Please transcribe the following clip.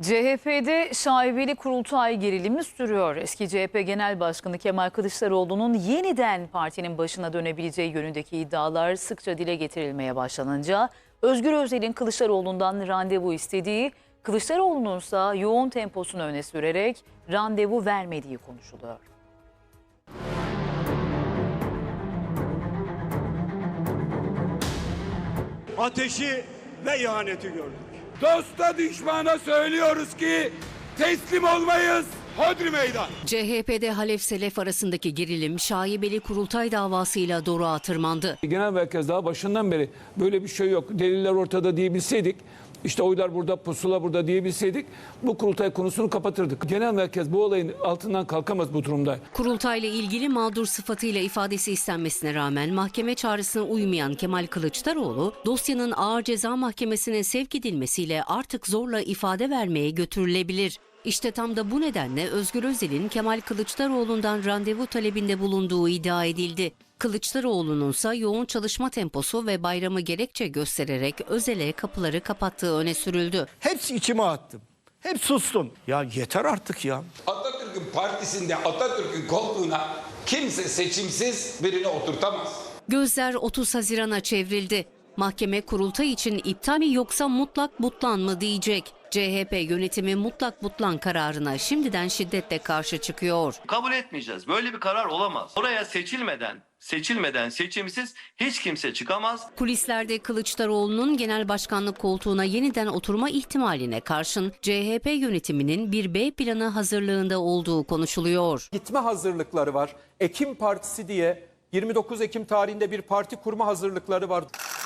CHP'de şaibeli kurultay gerilimi sürüyor. Eski CHP Genel Başkanı Kemal Kılıçdaroğlu'nun yeniden partinin başına dönebileceği yönündeki iddialar sıkça dile getirilmeye başlanınca Özgür Özel'in Kılıçdaroğlu'ndan randevu istediği, Kılıçdaroğlu'nun ise yoğun temposunu öne sürerek randevu vermediği konuşuluyor. Ateşi ve ihaneti gördük. Dosta düşmana söylüyoruz ki teslim olmayız. Hodri meydan. CHP'de Halef Selef arasındaki gerilim şaibeli kurultay davasıyla doruğa tırmandı. Genel merkez daha başından beri böyle bir şey yok, deliller ortada diyebilseydik, işte oylar burada, pusula burada diyebilseydik bu kurultay konusunu kapatırdık. Genel merkez bu olayın altından kalkamaz bu durumda. Kurultayla ilgili mağdur sıfatıyla ifadesi istenmesine rağmen mahkeme çağrısına uymayan Kemal Kılıçdaroğlu, dosyanın Ağır Ceza Mahkemesi'ne sevk edilmesiyle artık zorla ifade vermeye götürülebilir. İşte tam da bu nedenle Özgür Özel'in Kemal Kılıçdaroğlu'ndan randevu talebinde bulunduğu iddia edildi. Kılıçdaroğlu'nun ise yoğun çalışma temposu ve bayramı gerekçe göstererek Özel'e kapıları kapattığı öne sürüldü. Hepsi içime attım. Hep sustum. Ya yeter artık ya. Atatürk'ün partisinde Atatürk'ün koltuğuna kimse seçimsiz birini oturtamaz. Gözler 30 Haziran'a çevrildi. Mahkeme kurultay için iptal mi yoksa mutlak butlan mı diyecek. CHP yönetimi mutlak butlan kararına şimdiden şiddetle karşı çıkıyor. Kabul etmeyeceğiz. Böyle bir karar olamaz. Oraya seçilmeden seçimsiz hiç kimse çıkamaz. Kulislerde Kılıçdaroğlu'nun genel başkanlık koltuğuna yeniden oturma ihtimaline karşın CHP yönetiminin bir B planı hazırlığında olduğu konuşuluyor. Gitme hazırlıkları var. Ekim Partisi diye 29 Ekim tarihinde bir parti kurma hazırlıkları var.